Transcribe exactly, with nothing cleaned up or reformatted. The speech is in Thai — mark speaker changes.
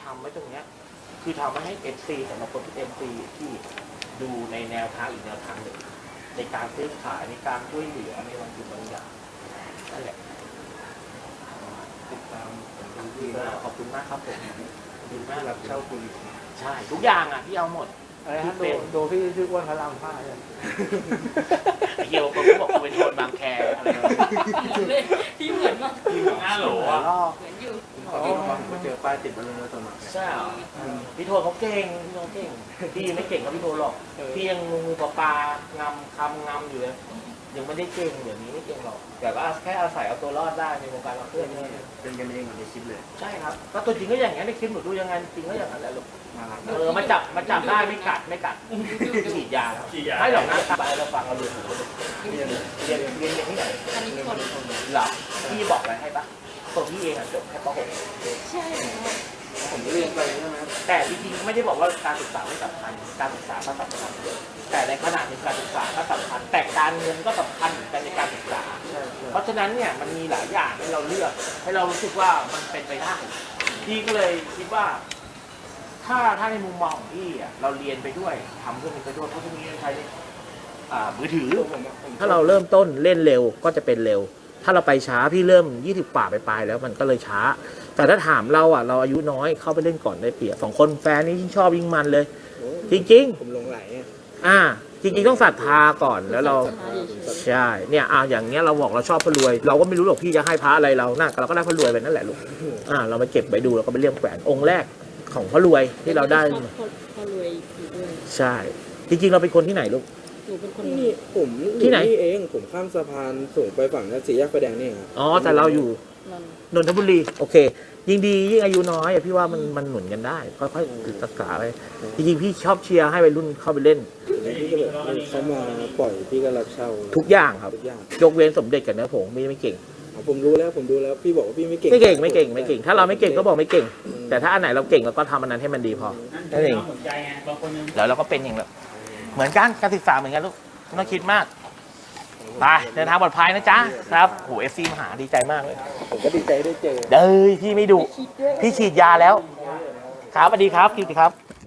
Speaker 1: ำไว้ตรงเนี้ยคือทำไว้ให้เอฟซีสำหรับคนที่เอฟซีที่ดูในแนวทางอีกแนวทางหนึ่งในการซื้อขายในการช่วยเหลือในบางสิ่งบางอย่างนั่นแหละติดตามดีมากขอบคุณมากครับผมดีมากรับเช่าคุยใช่ทุกอย่างอ่ะพี่เอาหมด
Speaker 2: อะไรฮะดูดูพี่ชื่ออ้วนพระรามห้าเลย
Speaker 1: ไอ้เหี้ยคนเขาบอกกูเป็นคนบางแคอะไร
Speaker 3: พี่เหมือนมาก
Speaker 1: พี่เหมือนห้าโหลอ่ะ
Speaker 3: เหมือนอยู่
Speaker 2: ผมเจอป้ายติดบนรถสมัคร
Speaker 1: ใช่พี่โทเขาเก่งพี่โทเก่งพี่ไม่เก่งกับพี่โทหรอกพี่ยังงูปลาปลางำคำงำอยู่เลยยังไม่ได้เก่งอย่างนี้ไม่เก่งหรอกแต่ว่าแค่อาศัยเอาตัวรอดได้ในวงการเราเพื่อนนี่
Speaker 2: เป็นกันเองเหมือนในคลิปเลย
Speaker 1: ใช่ครับก็ตัวจริงก็อย่างนี้ในคลิปหนูดูยังไงจริงก็อย่างนั้นแหละลูกเออมาจับมาจับได้ไม่กัดไม่กัดฉีดยาแล้วไม่หรอกนะไปเราฟังเราเรียนเรียนเรียนเรียนที่ไหนหรอพี่บอกอะไรให้ปะตัวพี่เองอ่ะจบแค่ป หก
Speaker 3: ใช่
Speaker 2: ผมเรียนไปใช่ไหม
Speaker 1: แต่จริงๆไม่ได้บอกว่าการศึกษาไม่สำคัญการศึกษาก็สำคัญแต่ในขณะที่การศึกษาก็สำคัญแต่การเงินก็สำคัญเหมือนกันในการศึกษาเพราะฉะนั้นเนี่ยมันมีหลายอย่างให้เราเลือกให้เรารู้สึกว่ามันเป็นไปได้พี่ก็เลยคิดว่าถ้าถ้าในมุมมองของพี่อ่ะเราเรียนไปด้วยทำเรื่องนี้ไปด้วยเพราะพวกนี้ใช้มือถือถ้าเราเริ่มต้นเล่นเร็วก็จะเป็นเร็วถ้าเราไปช้าพี่เริ่มยี่สิบป่าไปปลายแล้วมันก็เลยช้าแต่ถ้าถามเราอ่ะเราอายุน้อยเข้าไปเล่นก่อนได้เปรียบสองคนแฟนนี่ยิ่งชอบยิ่งมันเลยจริงๆ
Speaker 2: ผมหลงไหล
Speaker 1: อ่าจริงๆต้องศรัทธาก่อนแล้วเราใช่เนี่ยอ่าอย่างเงี้ยเราบอกเราชอบพระรวยเราก็ไม่รู้หรอกพี่จะให้พระอะไรเราน่าเราก็ได้พระรวยไปนั่นแหละลูกอ่าเราไปเก็บไปดูเราก็ไปเลี่ยมแขวนองค์แรกของพระรวยที่เราได้
Speaker 3: พระรวยอยู่ด้วย
Speaker 1: ใช่จริงๆเราเป็นคนที่ไหนลูก
Speaker 3: หนูเป็นคน
Speaker 2: นี่ผม
Speaker 1: ที่ไหน
Speaker 2: เองผมข้ามสะพานสูงไปฝั่งนั้นสี่แยกไฟแดงนี่ครับ
Speaker 1: อ๋อแต่เราอยู่นนทบุรีโอเคยิ่งดียิ่งอายุน้อยพี่ว่ามันมันหนุนกันได้ค่อยๆศึกษาไปจริงๆพี่ชอบเชียร์ให้วัยรุ่นเข้าไปเล่น
Speaker 2: พี่ก็แบบเขามาปล่อยพี่ก็รับเช่า
Speaker 1: ทุกอย่างครับยกเว้นสมเด็จกับเนื้อผงไม่ไม่เก่ง
Speaker 2: ผมรู้แล้วผมดูแล้วพี่บอกว่าพี่ไม่เก่ง
Speaker 1: ไม่เก่งไม่เก่งไม่เก่งถ้าเราไม่เก่งก็บอกไม่เก่งแต่ถ้าอันไหนเราเก่งเราก็ทำอันนั้นให้มันดีพอนั่นเองแล้วเราก็เป็นอย่างแบบเหมือนกันการศึกษาเหมือนกันลูกไม่ต้องคิดมากไปเดินทางปลอดภัยนะจ๊ะครับโหเอฟซีมาหาดีใจมากเลย
Speaker 2: ผมก็ดีใจได้เจอ
Speaker 1: เด้ยพี่ไม่ดุพี่ฉีดยาแล้วครับสวัสดีครับคิวดีครับ